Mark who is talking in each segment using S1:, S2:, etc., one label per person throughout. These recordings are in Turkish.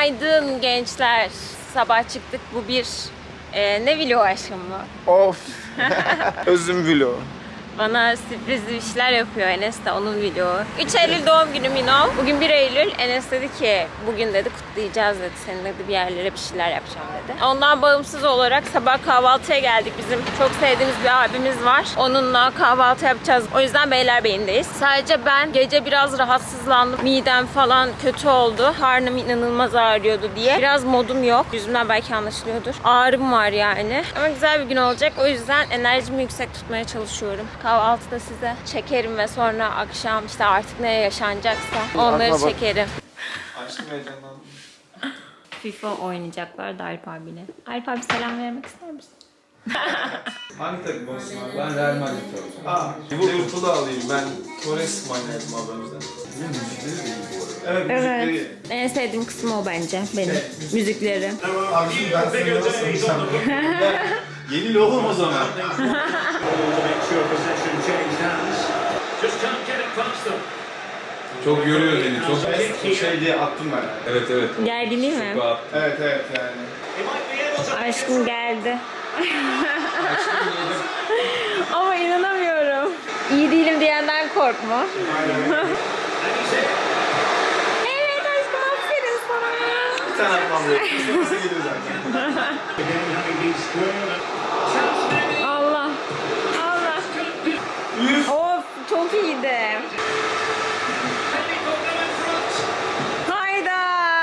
S1: Günaydın gençler. Sabah çıktık. Bu bir ne vlogu aşkım bu?
S2: Of. Özüm vlog.
S1: Bana sürprizli işler yapıyor Enes de onun vlogu. 3 Eylül doğum günüm Bugün 1 Eylül. Enes dedi ki bugün dedi kutlayacağız dedi. Senin dedi bir yerlere bir şeyler yapacağım dedi. Ondan bağımsız olarak sabah kahvaltıya geldik. Bizim çok sevdiğimiz bir abimiz var. Onunla kahvaltı yapacağız. O yüzden Beylerbeyi'ndeyiz. Sadece ben gece biraz rahatsızlandım. Midem falan kötü oldu. Karnım inanılmaz ağrıyordu diye. Biraz modum yok. Yüzümden belki anlaşılıyordur. Ağrım var yani. Ama güzel bir gün olacak. O yüzden enerjimi yüksek tutmaya çalışıyorum. Kahvaltıda size çekerim ve sonra akşam işte artık ne yaşanacaksa onları çekerim.
S2: Aşkım heyecanlandım.
S1: FIFA oynayacaklar da Alp abiyle. Alp abi selam vermek ister misin?
S2: Hangi takım olsun abi? Ben Real Madrid olacağım. Liverpool'u alayım. Ben Torres manyadım abi o yüzden. Müzikleri de iyi bu arada. Evet, müzikleri.
S1: En sevdiğim kısmı o bence benim. Müzikleri.
S2: Abiciğim ben seni nasıl insan? Yeni logom o zaman. Çok yoruyor beni. Çok şey diye attım ben. Evet evet.
S1: Gerginliği mi?
S2: Evet evet yani.
S1: Aşkım geldi. Ama inanamıyorum. İyi değilim diyenden korkma. Evet aşkım aferin sana.
S2: Bir tane atmam gerekiyor. Nasıl geliyor zaten.
S1: Allah. Allah. Of çok iyiydi. Hayda.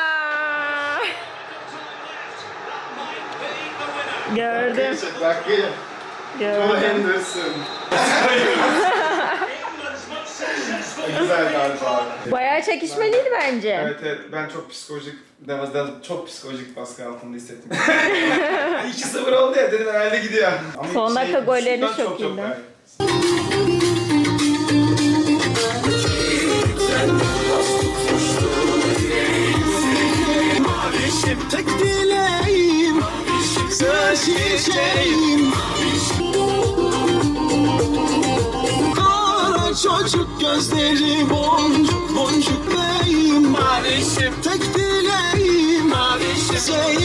S1: Gördüm.
S2: Bak gelin. Joe
S1: Gördüm.
S2: Henderson. Güzel galiba abi.
S1: Bayağı çekişmeliydi bence.
S2: Evet evet ben çok psikolojik çok psikolojik baskı altında hissettim. 2-0 oldu ya dedim herhalde gidiyor. Ama
S1: Son dakika gollerini
S2: şuttan
S1: çok iyiydi.
S2: gayet.
S3: Tek dileğim, söz çiçeğim. Kara çocuk gözleri boncuk boncuk beyim. Mavişim tek dileğim, mavişim.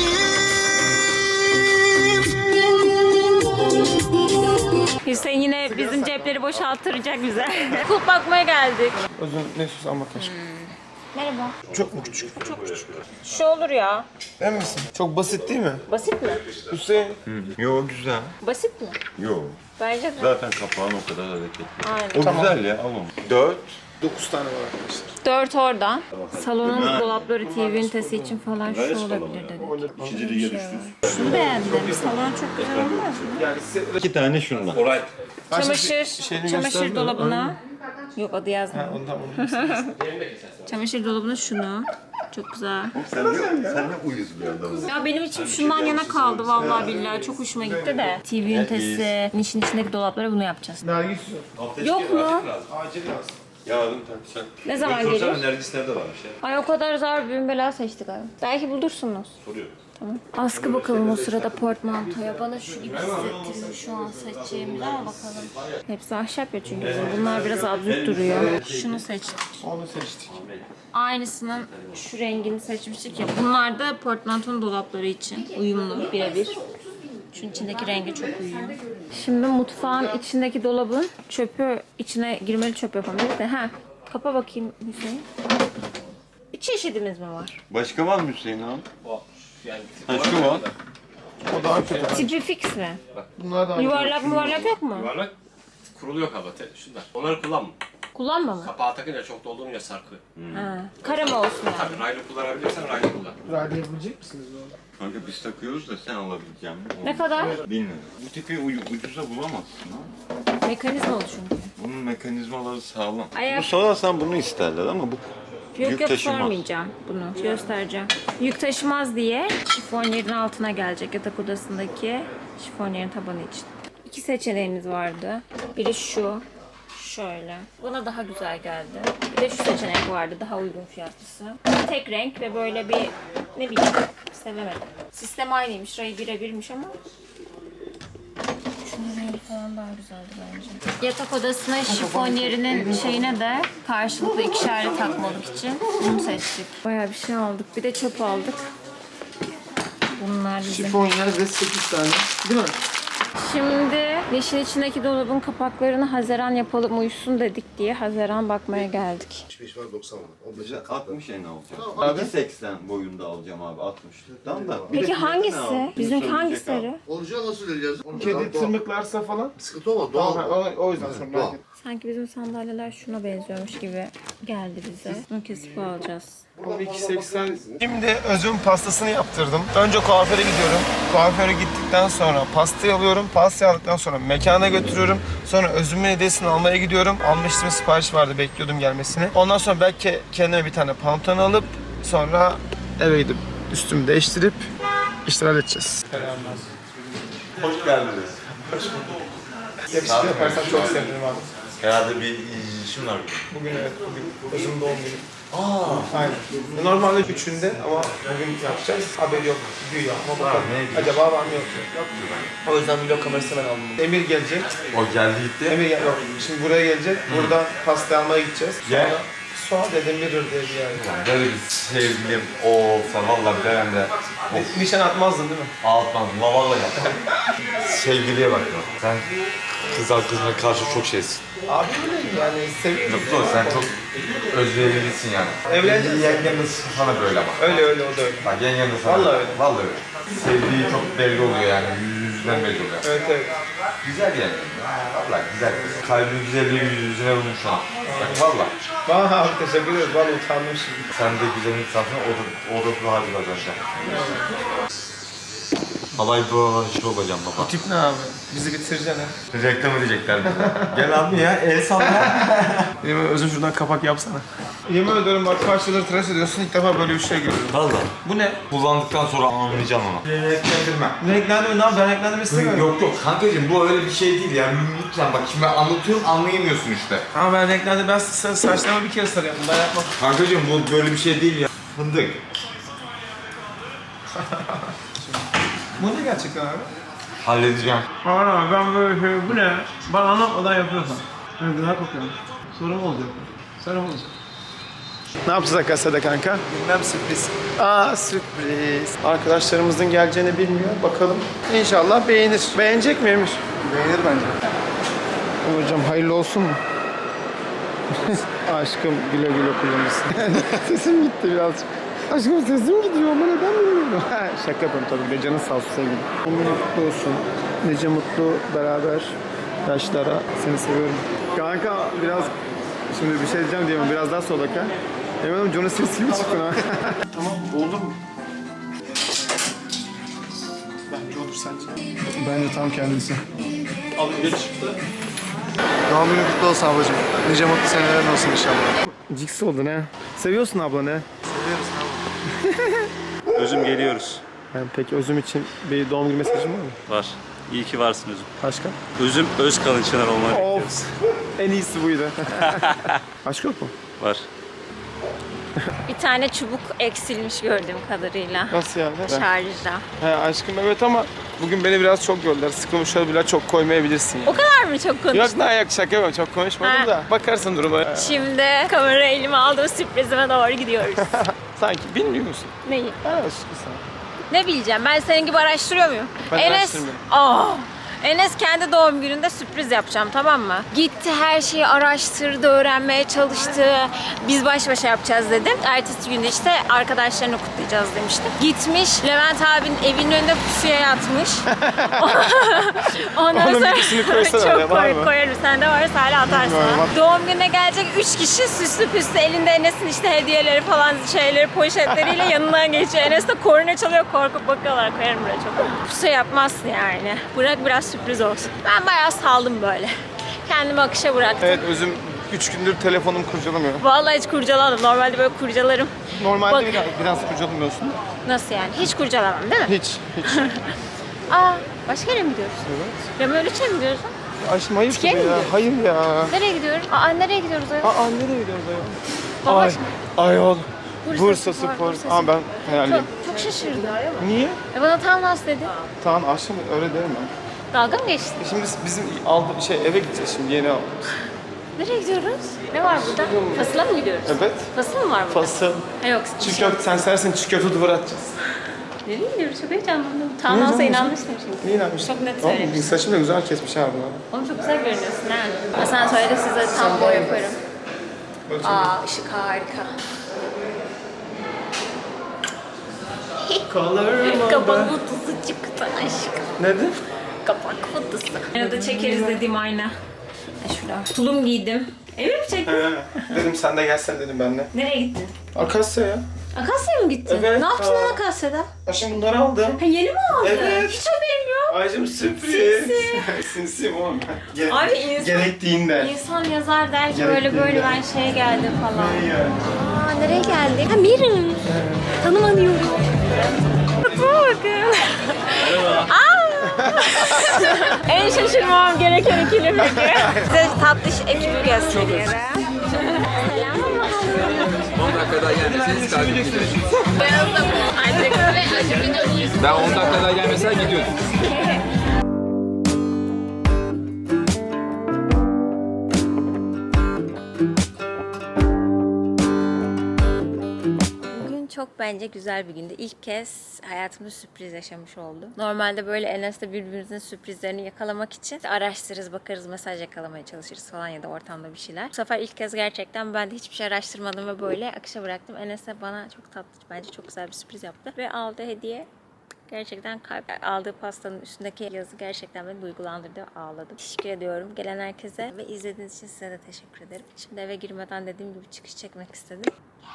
S1: Hüseyin yine bizim cepleri boşalttıracak bize. Kulp bakmaya geldik.
S2: Özün ne sus ama kaşık.
S1: Merhaba.
S2: Çok mu küçük?
S1: Şu olur ya.
S2: Emin misin? Çok basit değil mi?
S1: Basit mi?
S2: Hüseyin.
S4: Yo güzel.
S1: Basit mi?
S4: Yo.
S1: Bence de.
S4: Zaten kapağın o kadar hareketli.
S1: Aynen.
S4: O güzel ya, al onu. 4.
S2: 9 tane var arkadaşlar.
S1: 4 oradan. Salonun dolapları TV ünitesi için falan şu olabilir dedi.
S4: İkinci lige düştünüz.
S1: Şunu beğendim. Salon çok güzel olmaz mı?
S2: Yani size
S4: 2 tane şundan.
S1: Çamaşır dolabına. Yok adı yazmıyor.
S2: ondan
S1: Çamaşır dolabına şunu. Çok güzel.
S4: Sen ne uyuz bir adamsın.
S1: Ya benim içim şundan yana kaldı vallahi billahi. Çok hoşuma gitti de. TV ünitesi, nişin içindeki dolaplara bunu yapacağız.
S2: Nergis
S1: Yok mu?
S2: acil lazım.
S4: Yarın takacak.
S1: Ne zaman gelir?
S5: Nergisler de varmış ya.
S1: Ay o kadar zor bir bela seçtik abi. Belki bulursunuz.
S5: Soruyor.
S1: Tamam. Askı bakalım o sırada portmantoya. Bana şu gibi hissettiriyor şu an seçeceğimiz ama bakalım. Hepsi ahşap ya çünkü. Bunlar biraz absürt duruyor. Şunu seçtik.
S2: Onu seçtik.
S1: Aynısının şu rengini seçmiştik ya. Bunlar da portmantonun dolapları için uyumlu birebir. Şunun içindeki rengi çok uyuyor. Şimdi mutfağın içindeki dolabın çöpü içine girmeli çöp yapamayız de. Ha, kapa bakayım Hüseyin. Bir çeşidimiz mi var?
S4: Başka var mı Hüseyin abi?
S5: Yani
S4: Ha şu var.
S2: O daha kötü.
S1: Tipi fix mi?
S2: Bunlar daha
S1: Yuvarlak yok mu?
S5: yuvarlak kuruluyor kaba. Şunlar. Onları kullanma.
S1: Kullanma mı?
S5: Kapağı takınca çok doldurunca sarkıyor.
S1: Ha. Kare mi olsun yani?
S5: Tabii raylı kullanabilirsen raylı kullan.
S2: Radyo yapabilecek misiniz onu?
S4: Kanka biz takıyoruz da sen alabileceğim mi?
S1: Ne kadar?
S4: Bilmiyorum. Bu tipi ucuza bulamazsın ha.
S1: Mekanizma oldu çünkü.
S4: Bunun mekanizmaları sağlam.
S1: Ayak-
S4: Bu sorarsan bunu isterler ama bu
S1: Yok
S4: yük taşımaz.
S1: sormayacağım bunu. Göstereceğim. Yük taşımaz diye şifonyerin altına gelecek yatak odasındaki şifonyerin tabanı için. 2 seçeneğimiz vardı. Biri şu. Şöyle. Bana daha güzel geldi. Bir de şu seçenek vardı. Daha uygun fiyatlısı. Tek renk ve böyle bir ne bileyim sevemedim. Sistem aynıymış. Rayı birebirmiş ama Rengi falan daha güzeldi bence. Yatak odasına şifonyerinin şeyine de karşılıklı ikişerli takmalık için bunu seçtik. Bayağı bir şey aldık. Bir de çöp aldık. Bunlar bizim.
S2: Şifonyer ve 8 tane. Değil mi?
S1: Şimdi yeşil içindeki dolabın kapaklarını Haziran yapalım uyusun dedik diye Haziran bakmaya geldik.
S6: 75 var 90 var. 15
S4: 60 en alacağım. 2.80 boyunda alacağım abi 60. Tamam da.
S1: Peki hangisi? Bizimki hangi sarı?
S6: Olacağı nasıl vereceğiz?
S2: Kedi tırmıklarsa falan.
S6: Sıkıntı olmaz. Doğal.
S2: Tamam, o yüzden sorun
S6: Doğal.
S2: yok.
S1: Sanki bizim sandalyeler şuna benziyormuş gibi geldi bize. Bunu kesip alacağız.
S2: 12.80. Şimdi özüm pastasını yaptırdım. Önce kuaföre gidiyorum. Kuaföre gittikten sonra pastayı alıyorum. Pastayı aldıktan sonra mekana götürüyorum. Sonra özümün hediyesini almaya gidiyorum. Almıştım, sipariş vardı, bekliyordum gelmesini. Ondan sonra belki kendime bir tane pantolon alıp sonra eve gidip üstümü değiştirip işler halledeceğiz.
S4: Hoş geldiniz.
S2: Yakışıklı yaparsan çok sevinirim abi.
S4: Herhalde bir işim var.
S2: Bugün evet, bugün özüm doğum günü. Aynen. Normalde 3'ünde ama bugün yapacağız. Haberi yok. Güya ama bakalım. Acaba var mı yok mu? O yüzden vlog kamerası ben aldım. Emir gelecek.
S4: O geldi gitti.
S2: Emir gel. Yok. Şimdi buraya gelecek. Buradan pasta almaya gideceğiz.
S4: Gel.
S2: Suat Edemirir diye bir yer.
S4: Böyle bir sevgilim olsa vallahi ben de
S2: Nişan atmazdın değil mi?
S4: ağlatmazdım. Vallahi yapmam. Sevgiliye bak ya. Sen kız arkadaşına karşı çok şeysin.
S2: Abi öyle yani seviyorum.
S4: Yok sen çok özverilisin yani.
S2: Evleneceğiz.
S4: Yengen de sana böyle bak.
S2: Öyle öyle o da öyle.
S4: Bak yengen de sana
S2: Vallahi öyle.
S4: Vallahi öyle. Sevdiği çok belli oluyor yani. Yüzünden belli oluyor.
S2: Evet evet.
S4: Güzel yani. Vallahi güzel. Kalbin güzelliği yüzüne vurmuş şu an. Bak vallahi.
S2: Bana abi teşekkür ederiz. Vallahi utandım şimdi.
S4: Sen de güzel insansın. O da bu hali kazanacak. Halay bu şey olacağım baba.
S2: Tip ne abi? Bizi bitireceksin ha.
S4: Reklam edecekler bize. Gel abi ya el salla.
S2: Yemin özüm şuradan kapak yapsana. Yemin ediyorum bak kaç yıldır tıraş ediyorsun ilk defa böyle bir şey görüyorum.
S4: Valla.
S2: Bu ne?
S4: Kullandıktan sonra anlayacaksın onu. Renklendirme.
S2: Renklendirme ne abi? Ben renklendirme istemiyorum.
S4: Yok kankacığım bu öyle bir şey değil yani lütfen bak şimdi ben anlatıyorum anlayamıyorsun işte.
S2: Ama ben renklendirme, ben saçlarımı bir kere sarıyorum. Ben yapmam.
S4: Kankacığım bu böyle bir şey değil ya. Fındık.
S2: Bu ne gerçekten abi?
S4: Halledeceğim.
S2: Aman abi ben böyle şey, bu ne? Bana anlatmadan yapıyorsan. Ben güzel kokuyorum. Sorun olacak. Sorun olacak. Ne yapacağız arkadaşlar kanka? Bilmem sürpriz. Sürpriz. Arkadaşlarımızın geleceğini bilmiyor. Bakalım. İnşallah beğenir. Beğenecek mi Emir? Beğenir bence. Hocam hayırlı olsun mu? Aşkım güle güle kullanırsın. Sesim gitti birazcık. Aşkım sesim gidiyor ama neden bilmiyorum. Şaka yapıyorum tabii. Canın sağ olsun sevgilim. Umut mutlu olsun. Nice mutlu beraber yaşlara. Seni seviyorum. Kanka biraz şimdi bir şey diyeceğim diyemem. Biraz daha sola ka. Eminim Johnny Sins gibi çıktın ha. Tamam oldu mu? Bence olur sence. Bence tam kendisi. Abi geç çıktı. Doğum günün kutlu olsun ablacığım. Nice mutlu senelerin olsun inşallah. Cix oldun ha. Seviyorsun abla ne? Seviyoruz abla.
S7: Özüm geliyoruz.
S2: Yani peki Özüm için bir doğum günü mesajın var mı?
S7: Var. İyi ki varsın Özüm.
S2: Başka?
S7: Özüm Özkalın Çınar olmayı bekliyoruz.
S2: Of. En iyisi buydu. Aşk yok mu?
S7: Var.
S1: Bir tane çubuk eksilmiş gördüğüm kadarıyla.
S2: Nasıl yani?
S1: Şarjda.
S2: He aşkım evet ama bugün beni biraz çok gördüler. Sıkılmış olabilir, çok koymayabilirsin yani.
S1: O kadar mı çok konuştun?
S2: Yok ne yok şaka yok çok konuşmadım
S1: Ha.
S2: da. Bakarsın duruma.
S1: Şimdi kamerayı elime aldım, sürprizime doğru gidiyoruz.
S2: Sanki bilmiyor musun?
S1: Neyi?
S2: Ben aşkım sana.
S1: Ne bileceğim? Ben senin gibi araştırıyor muyum?
S2: Ben
S1: Enes,
S2: araştırmıyorum.
S1: Enes kendi doğum gününde sürpriz yapacağım, tamam mı? Gitti, her şeyi araştırdı, öğrenmeye çalıştı. Biz baş başa yapacağız dedim. Ertesi günde işte arkadaşlarını kutlayacağız demiştim. Gitmiş, Levent abinin evinin önünde pusuya yatmış. Ondan
S2: Onun
S1: sonra
S2: bilgisini koysana oraya,
S1: çok
S2: var mı?
S1: koyarım. Sende varsa hala atarsın.
S2: Var, var.
S1: Doğum gününe gelecek 3 kişi süslü püslü elinde Enes'in işte hediyeleri falan şeyleri poşetleriyle yanından geçiyor. Enes de korna çalıyor, korkup bakıyorlar. Koyarım buraya çok. Pusu yapmazsın yani. Bırak biraz sürpriz olsun. Ben bayağı saldım böyle. Kendimi akışa bıraktım.
S2: Evet Özüm 3 gündür telefonum kurcalamıyor.
S1: Vallahi hiç kurcalamadım. Normalde böyle kurcalarım.
S2: Normalde
S1: Bak-
S2: biraz kurcalamıyorsun.
S1: Nasıl yani? Hiç kurcalamam değil mi?
S2: Hiç.
S1: Başka yere mi gidiyoruz?
S2: Evet.
S1: Remöliç'e mi gidiyoruz?
S2: Aşkım hayır
S1: Türkiye mi
S2: ya.
S1: gidiyoruz?
S2: Hayır ya.
S1: Nereye gidiyoruz? Nereye gidiyoruz ayol?
S2: Nereye gidiyoruz ayol?
S1: Baba
S2: Ay,
S1: şimdi.
S2: ayol.
S1: Bursa
S2: Bursa
S1: Spor,
S2: Spor.
S1: Bursa
S2: Ama ben
S1: Çok,
S2: hayalliyim.
S1: çok şaşırdım.
S2: Niye?
S1: Bana tam nasıl dedi?
S2: Tamam aşkım öyle derim ben.
S1: Dalga mı geçtin?
S2: Şimdi bizim eve gideceğiz şimdi yeni aldık.
S1: Nereye gidiyoruz? Ne var burada? Fasıla mı gidiyoruz?
S2: Evet.
S1: Fasıl mı var burada?
S2: Fasıl.
S1: Ha yok.
S2: Çiğ köfte, sen sersin çiğ köfte duvar atacağız.
S1: Nereye gidiyoruz? Çok heyecanlandım. Tam olsa inanmıştım şimdi.
S2: Niye inanmışsın?
S1: Çok net
S2: Oğlum,
S1: söylemiştim.
S2: saçını da güzel kesmiş abi.
S1: Oğlum çok güzel görünüyorsun ha. Asansörde size tam boy yaparım. Aa ışık harika. Kapak fotosu çıktı aşkım.
S2: Neden?
S1: Kapak fotosu. Arada çekeriz dediğim ayna. Şurada. Tulum giydim. Evi mi çektin?
S2: Dedim sen de gelsen dedim benimle.
S1: Nereye gittin?
S2: Akasya ya.
S1: Akasya'ya mı gittin?
S2: Evet.
S1: Ne yaptın lan Akasya'da?
S2: Aşkım bunları aldım.
S1: Ha yeni mi aldın?
S2: Evet.
S1: Hiç haberim yok.
S2: Aycım sürpriz. Sinsiyim oğlum.
S1: Abi insan-
S2: Gerektiğinde.
S1: İnsan yazar der ki
S2: Gerektiğinde.
S1: böyle ben şeye geldim falan.
S2: Ne yani?
S1: Aa nereye geldik? Ha Mirim. Tanımanıyorum. Bakın. En şaşırmam gereken ikili peki. Size tatlış ekibi gösteriyorum. Selam.
S8: 10 dakika daha gelmeseniz takip ederiz.
S1: Beyaz da bu. Ancak
S8: Ben 10 dakika daha gelmesen gidiyordum.
S1: Bugün çok bence güzel bir gündü. İlk kez hayatımda sürpriz yaşamış oldum. Normalde böyle Enes'le birbirimizin sürprizlerini yakalamak için araştırırız, bakarız, mesaj yakalamaya çalışırız falan ya da ortamda bir şeyler. Bu sefer ilk kez gerçekten ben de hiçbir şey araştırmadım ve böyle akışa bıraktım. Enes de bana çok tatlı, bence çok güzel bir sürpriz yaptı. Ve aldığı hediye gerçekten kalp. Aldığı pastanın üstündeki yazı gerçekten beni duygulandırdı ve ağladım. Teşekkür ediyorum gelen herkese ve izlediğiniz için size de teşekkür ederim. Şimdi eve girmeden dediğim gibi çıkış çekmek istedim.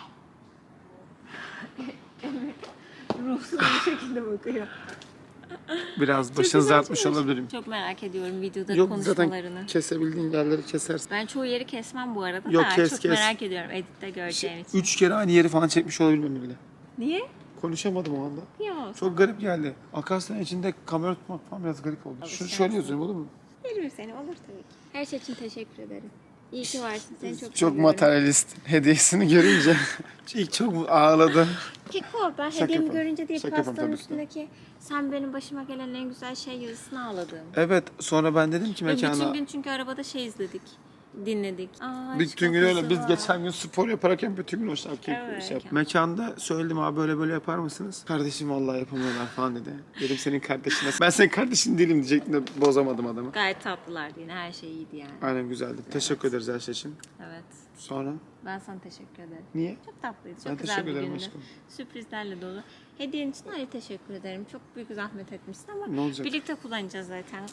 S1: Ruhsuz bir şekilde bakıyor.
S2: Biraz başınızı artmış olabilirim.
S1: Çok merak ediyorum videoda
S2: Yok
S1: konuşmalarını.
S2: zaten kesebildiğin yerleri kesersin.
S1: Ben çoğu yeri kesmem bu arada
S2: Yok,
S1: da
S2: kes,
S1: çok
S2: kes.
S1: merak ediyorum editte göreceğim için.
S2: 3 kere aynı yeri falan çekmiş olabilirim bile.
S1: Niye?
S2: Konuşamadım o anda.
S1: Yok.
S2: Çok garip geldi. Akasya'nın içinde kamera tutmak falan biraz garip oldu. Şöyle yazıyorum olur mu?
S1: Yerim seni olur tabii ki. Her şey için teşekkür ederim. İyi ki varsın. Seni çok
S2: Çok
S1: seviyorum.
S2: materyalist. Hediyesini görünce ilk çok ağladı.
S1: Keko ben
S2: Şaka
S1: hediyemi
S2: yapalım.
S1: görünce değil
S2: Şaka yapalım
S1: pastanın
S2: tabii ki.
S1: üstündeki sen benim başıma gelen en güzel şey yazısını ağladım.
S2: Evet sonra ben dedim ki
S1: Bütün
S2: mekana.
S1: gün çünkü arabada şey izledik. Dinledik. Aa,
S2: Bütün gün öyle.
S1: şapkası
S2: Biz
S1: var.
S2: geçen gün spor yaparken bütün gün o şarkıyı
S1: Evet.
S2: şey yaptık. Mekanda söyledim abi böyle yapar mısınız? Kardeşim vallahi yapamıyorlar falan dedi. Dedim senin kardeşine. Ben senin kardeşin değilim diyecektim de bozamadım adamı.
S1: Gayet tatlılardı yine her şey iyiydi yani.
S2: Aynen güzeldi. Teşekkür ederiz her şey için.
S1: Evet.
S2: Sonra?
S1: Ben sana teşekkür ederim.
S2: Niye?
S1: Çok tatlıydı. Çok
S2: Ben
S1: güzel
S2: teşekkür
S1: bir
S2: ederim
S1: gündü.
S2: aşkım.
S1: Sürprizlerle dolu. Hediyen için ayrı teşekkür ederim. Çok büyük zahmet etmişsin ama
S2: Ne olacak?
S1: birlikte kullanacağız zaten.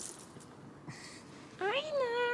S1: Aynen.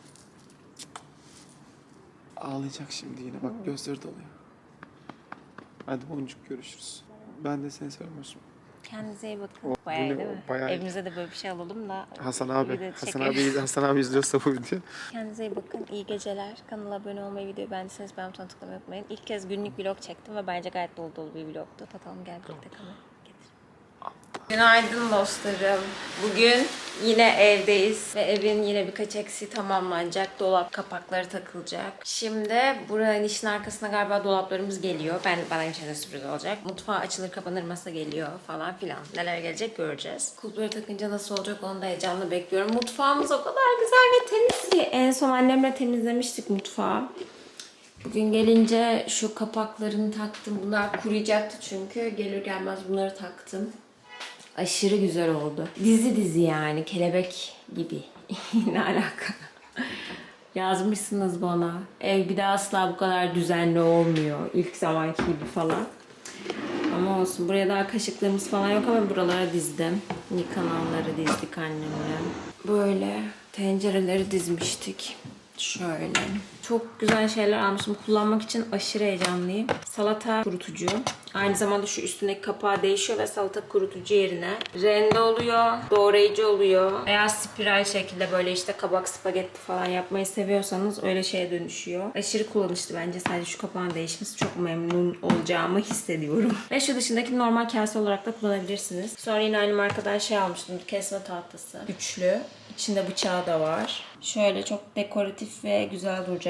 S2: Ağlayacak şimdi yine. Bak gözleri doluyor. Hadi boncuk görüşürüz. Ben de seni seviyorum aşkım.
S1: Kendinize iyi bakın.
S2: O,
S1: Bayağı iyi
S2: bu ne?
S1: değil mi?
S2: Bayağı iyi.
S1: Evimize de böyle bir şey alalım da.
S2: Hasan
S1: bir
S2: abi.
S1: de
S2: Hasan
S1: çekeriz.
S2: abi, Hasan abi izliyorsa bu video.
S1: Kendinize iyi bakın. İyi geceler. Kanala abone olmayı, videoyu beğendiyseniz beğen butonuna tıklamayı unutmayın. İlk kez günlük vlog çektim ve bence gayet dolu dolu bir vlogtu. Tatalım gel birlikte kamera. Günaydın dostlarım. Bugün yine evdeyiz ve evin yine birkaç eksiği tamamlanacak. Dolap kapakları takılacak. Şimdi buranın işin arkasına galiba dolaplarımız geliyor. Bana için de sürpriz olacak. Mutfağı açılır kapanır masa geliyor falan filan. Neler gelecek göreceğiz. Kulpları takınca nasıl olacak onu da heyecanla bekliyorum. Mutfağımız o kadar güzel ve temiz ki. En son annemle temizlemiştik mutfağı. Bugün gelince şu kapaklarını taktım. Bunlar kuruyacaktı çünkü. Gelir gelmez bunları taktım. Aşırı güzel oldu. Dizi yani. Kelebek gibi. Ne alaka? Yazmışsınız bana. Ev bir daha asla bu kadar düzenli olmuyor. İlk zamanki gibi falan. Ama olsun. Buraya daha kaşıklığımız falan yok ama buralara dizdim. Yıkananları dizdik annemle. Böyle tencereleri dizmiştik. Şöyle. Çok güzel şeyler almışım. Kullanmak için aşırı heyecanlıyım. Salata kurutucu. Aynı zamanda şu üstündeki kapağı değişiyor ve salata kurutucu yerine rende oluyor, doğrayıcı oluyor. Eğer spiral şekilde böyle işte kabak spagetti falan yapmayı seviyorsanız öyle şeye dönüşüyor. Aşırı kullanışlı bence. Sadece şu kapağın değişmesi çok memnun olacağımı hissediyorum. Ve şu dışındaki normal kase olarak da kullanabilirsiniz. Sonra yine aynı markadan şey almıştım. Kesme tahtası. Üçlü. İçinde bıçağı da var. Şöyle çok dekoratif ve güzel duracak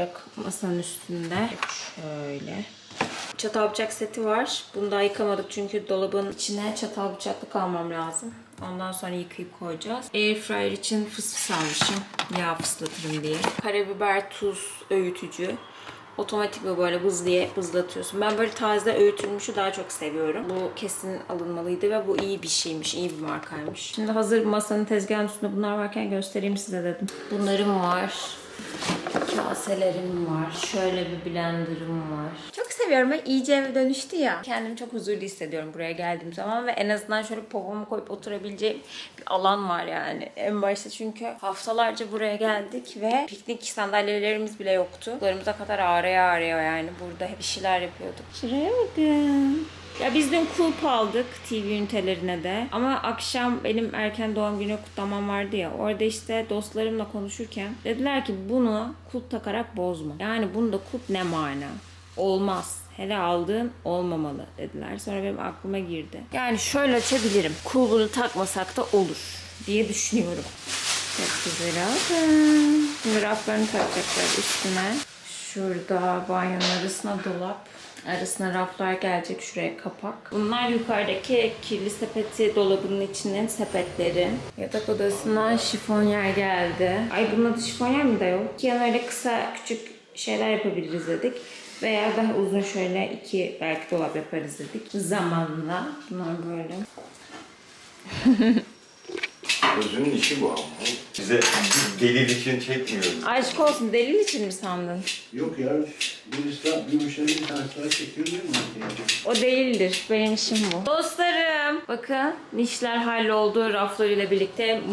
S1: olacak masanın üstünde. Şöyle. Çatal bıçak seti var. Bunu daha yıkamadık çünkü dolabın içine çatal bıçaklık almam lazım. Ondan sonra yıkayıp koyacağız. Airfryer için fısfıs almışım. Yağ fıslatırım diye. Karabiber, tuz, öğütücü. Otomatik ve böyle bız diye bızlatıyorsun. Ben böyle taze öğütülmüşü daha çok seviyorum. Bu kesin alınmalıydı ve bu iyi bir şeymiş, iyi bir markaymış. Şimdi hazır masanın tezgahın üstünde bunlar varken göstereyim size dedim. Bunlarım var. Kaselerim var. Şöyle bir blenderım var. Çok seviyorum. Ben iyice eve dönüştü ya. Kendimi çok huzurlu hissediyorum buraya geldiğim zaman ve en azından şöyle popomu koyup oturabileceğim bir alan var yani. En başta çünkü haftalarca buraya geldik ve piknik sandalyelerimiz bile yoktu. Kullarımıza kadar ağrıyor yani. Burada hep bir şeyler yapıyorduk. Şuraya bakın. Ya biz dün kulp aldık TV ünitelerine de. Ama akşam benim erken doğum günü kutlamam vardı ya. Orada işte dostlarımla konuşurken dediler ki bunu kulp takarak bozma. Yani bunda kulp ne mana? Olmaz. Hele aldığın olmamalı dediler. Sonra benim aklıma girdi. Yani şöyle açabilirim. Kulbunu takmasak da olur diye düşünüyorum. Çok güzel oldu. Şimdi raflarını takacaklar üstüne. Şurada banyonun arasına dolap. Arasına raflar gelecek, şuraya kapak. Bunlar yukarıdaki kirli sepeti dolabının içinin sepetleri. Yatak odasına şifonyer geldi. Ay bunun adı şifonyer mi de yok? Ki yani öyle kısa küçük şeyler yapabiliriz dedik. Veya daha uzun şöyle iki belki dolap yaparız dedik. Zamanla. Bunlar böyle.
S6: Özünün işi bu ama.
S4: Bize delil için çekmiyoruz.
S1: Aşk olsun, delil için mi sandın?
S6: Yok ya. Bir müşteri bir tane daha çekiyor değil mi?
S1: O değildir. Benim işim bu. Dostlarım. Bakın nişler halloldu raflarıyla birlikte.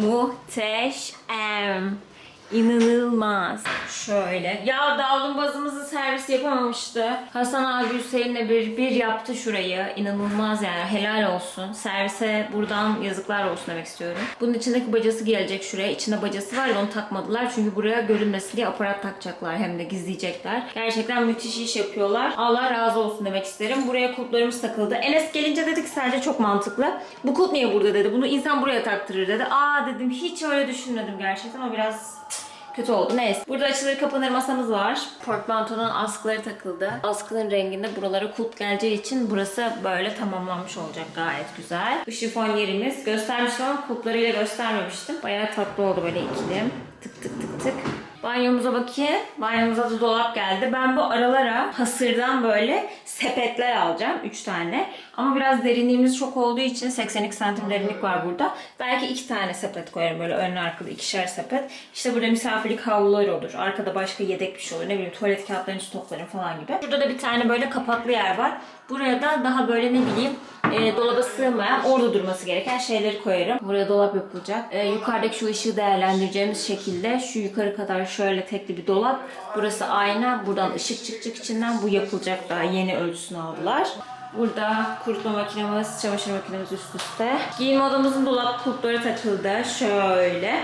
S1: Muhteşem. İnanılmaz. Şöyle. Ya davlumbazımızı servis yapamamıştı. Hasan abi Hüseyin'le bir yaptı şurayı. İnanılmaz yani. Helal olsun. Servise buradan yazıklar olsun demek istiyorum. Bunun içindeki bacası gelecek şuraya. İçinde bacası var ya onu takmadılar. Çünkü buraya görünmesin diye aparat takacaklar. Hem de gizleyecekler. Gerçekten müthiş iş yapıyorlar. Allah razı olsun demek isterim. Buraya kulplarımız takıldı. Enes gelince dedik sadece çok mantıklı. Bu kulp niye burada dedi. Bunu insan buraya taktırır dedi. Aa dedim hiç öyle düşünmedim gerçekten. O biraz kötü oldu. Neyse. Burada açılır kapanır masamız var. Portmantonun askıları takıldı. Askının renginde buralara kulp geleceği için burası böyle tamamlanmış olacak. Gayet güzel. Bu şifon yerimiz. Göstermiştim ama kulplarıyla göstermemiştim. Bayağı tatlı oldu böyle ikili. Tık tık tık tık. Banyomuza bakayım. Banyomuza da dolap geldi. Ben bu aralara hasırdan böyle sepetler alacağım. 3 tane. Ama biraz derinliğimiz çok olduğu için 82 santim derinlik var burada. Belki 2 tane sepet koyarım. Böyle önlü arkalı 2'şer sepet. İşte burada misafirlik havlular olur. Arkada başka yedek bir şey olur. Ne bileyim tuvalet kağıtlarını stoklarım falan gibi. Burada da bir tane böyle kapaklı yer var. Buraya da daha böyle ne bileyim dolaba sığmayan, orada durması gereken şeyleri koyarım. Buraya dolap yapılacak. Yukarıdaki şu ışığı değerlendireceğimiz şekilde şu yukarı kadar şöyle tekli bir dolap. Burası ayna. Buradan ışık çıkacak içinden. Bu yapılacak, daha yeni ölçüsünü aldılar. Burada kurutma makinemiz, çamaşır makinemiz üst üste. Giyinme odamızın dolap kulpları takıldı. Şöyle.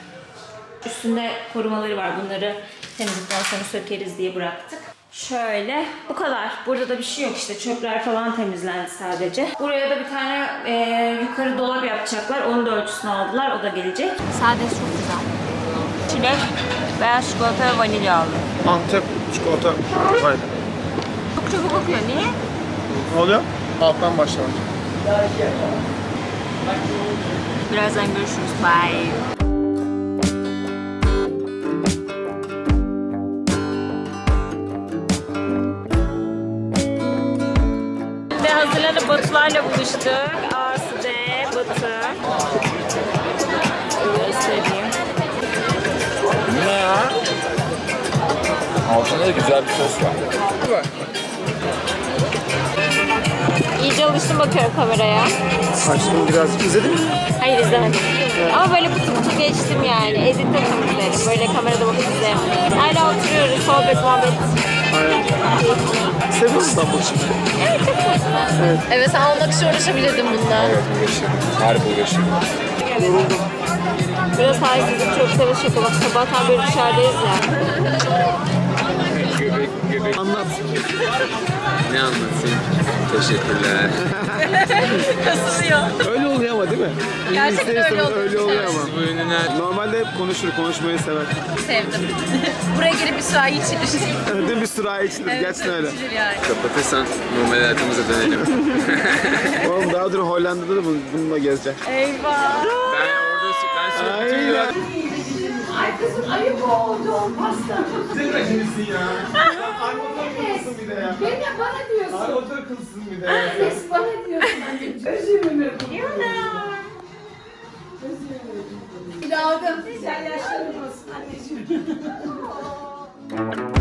S1: Üstünde korumaları var. Bunları temizlikten sonra sökeriz diye bıraktık. Şöyle. Bu kadar. Burada da bir şey yok işte. Çöpler falan temizlendi sadece. Buraya da bir tane yukarı dolap yapacaklar. Onun da ölçüsünü aldılar. O da gelecek. Sadece çok güzel. Çilek, beyaz çikolata ve vanilya aldım.
S2: Antep çikolata. Aynen.
S1: Çok çabuk kokuyor. Niye?
S2: Ne oluyor? Alttan başlar.
S1: Birazdan görüşürüz. Bye. Hazırlanıp Batularla buluştuk. Asude, Batu. Göstereyim.
S8: Ne ya? Altında da güzel bir sos var.
S1: İyice alıştım bakıyorum kameraya.
S2: Açtım biraz. İzledin mi?
S1: Hayır izlemedim. Ama böyle kutu kutu geçtim yani. Editte temizlerim. Böyle kamerada bakıp izleyemem. Hala oturuyoruz. Sohbet, muhabbet.
S2: Aynen. Seviyor musun İstanbul şimdi?
S1: Evet çok tatlı. Evet sen olmak için uğraşabilirdim bundan.
S8: Evet uğraşıyorum. Harbi uğraşıyorum.
S2: Yoruldum.
S1: Biraz halsizlik çok seviş şaka. Bak sabahtan beri dışarıdayız ya.
S8: Göbek.
S2: Anlat.
S8: Ne anlatayım? Teşekkürler.
S1: Kasılıyor.
S2: Öyle oluyor ama değil mi?
S1: Gerçekten öyle oldu.
S2: Öyle oluyor
S1: Evet.
S2: ama.
S8: Bu ünlüler.
S2: Normalde hep konuşur, konuşmayı sever.
S1: Sevdim. Buraya gelip bir sürahi içilir.
S2: Değil mi sürahi içilir? Gerçekten öyle.
S1: İçilir yani.
S8: Kapatırsan normal hayatımıza dönelim.
S2: Oğlum daha dur Hollanda'da da bununla gezecek.
S1: Eyvah.
S8: Ben sürekli
S2: Aynen.
S9: Ay kızım ayıp oldu o pasta.
S2: Sen de kimsin ya? Armutlar kılsın bir de ya.
S9: Beni bana diyorsun.
S2: Armutlar kılsın bir de.
S9: Annesi bana diyorsun anneciğim. Özümü Bir daha da güzel yaşlarım olsun anneciğim.